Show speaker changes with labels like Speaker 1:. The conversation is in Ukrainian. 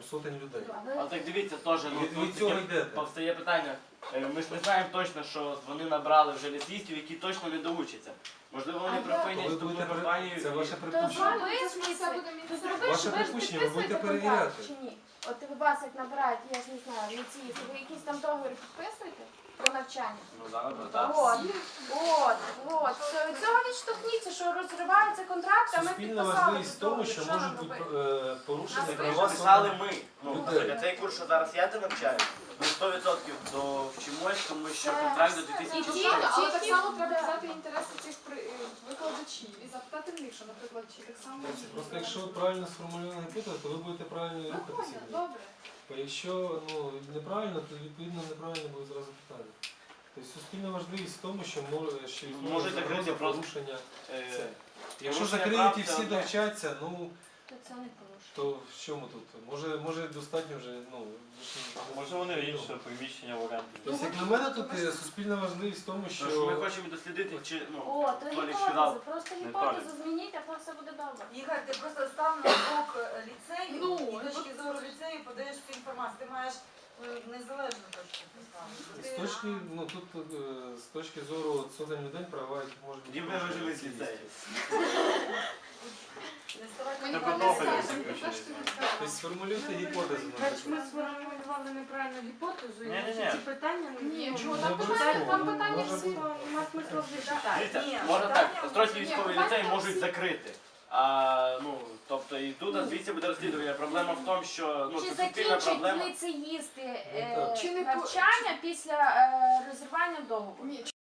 Speaker 1: сотень людей.
Speaker 2: А так дивіться, теж
Speaker 1: Від цього йдете.
Speaker 2: повстає питання. Ми ж не знаємо точно, що вони набрали вже ліцеїстів, які точно не доучаться. Можливо, вони припинять вступну кампанію.
Speaker 1: Це ваше
Speaker 3: То
Speaker 1: припущення. Ваше припущення, ви будете перевіряти.
Speaker 3: Чи ні? От ви вас як набирають, я ж не знаю, ліцеїсти, ви якісь там договори підписуєте про навчання?
Speaker 2: Ну, зараз так.
Speaker 3: От. Від цього відштовхніться, що розриваються контракти, а ми
Speaker 1: Суспільна
Speaker 3: підписали
Speaker 1: важливість в тому,
Speaker 3: договір.
Speaker 1: що
Speaker 3: Що нам
Speaker 1: можуть бути
Speaker 3: робити?
Speaker 1: порушені
Speaker 3: Нас
Speaker 1: права
Speaker 2: Писали
Speaker 1: сотень.
Speaker 2: ми. Ну,
Speaker 1: Людей.
Speaker 2: цей курс, що зараз я тебе навчаю, ми 100% довчимось, тому що контракт до 2014.
Speaker 4: Але так само треба взяти інтереси цих викладачів і запитати в них, що, наприклад, чи так само.
Speaker 1: Просто якщо правильно сформульована гіпотеза, то ви будете правильно рухатися.
Speaker 4: Добре.
Speaker 1: Бо якщо неправильно, то відповідно неправильно буде зразу питання. Тобто суспільна важливість в тому, що
Speaker 2: Може закрити просто
Speaker 1: порушення.
Speaker 2: Е,
Speaker 1: Якщо
Speaker 2: порушення
Speaker 1: закриють
Speaker 2: прав,
Speaker 1: і
Speaker 2: це
Speaker 1: всі
Speaker 2: одне.
Speaker 1: довчаться, ну
Speaker 3: То це не порушення.
Speaker 1: то в чому тут? Може достатньо вже, ну...
Speaker 5: Може вони інше приміщення в оренду.
Speaker 1: Тобто, як на мене, тут суспільна важливість в тому,
Speaker 2: Тому що ми
Speaker 1: що...
Speaker 2: хочемо дослідити, чи
Speaker 3: О, то
Speaker 2: Толік
Speaker 3: гіпотеза,
Speaker 2: сказав.
Speaker 3: просто
Speaker 2: Не
Speaker 3: гіпотезу
Speaker 2: Толік.
Speaker 3: змініть, а то все буде добре.
Speaker 6: Ігор, ти просто став на бок ліцею
Speaker 4: Ну,
Speaker 6: і точки зору ліцею подаєш цю інформацію. Ти маєш незалежну точку
Speaker 1: З точки, ну, тут з точки зору сотень людей права, які можуть бути...
Speaker 2: тоді ми вижили з ліцею.
Speaker 5: Так одного заключення.
Speaker 1: Тобто сформулюйте гіпотезу.
Speaker 7: Значить, ми сформулювали неправильну гіпотезу, і
Speaker 5: Ні-ні-ні.
Speaker 7: ці питання
Speaker 4: Ні, чого
Speaker 1: Не
Speaker 4: там
Speaker 1: обов'язково.
Speaker 4: там питання
Speaker 1: Може
Speaker 4: всі.
Speaker 1: бути.
Speaker 7: нема смисла вже читати.
Speaker 2: Дивіться, можна так, Острозький військовий ліцей можуть закрити. Тобто і тут, звідси буде розслідування. Проблема в тому, що
Speaker 3: Чи
Speaker 2: це суспільна
Speaker 3: закінчать
Speaker 2: проблема.
Speaker 3: ліцеїсти
Speaker 1: Ну, так.
Speaker 4: Чи не
Speaker 3: навчання після розірвання договору?
Speaker 4: Ні,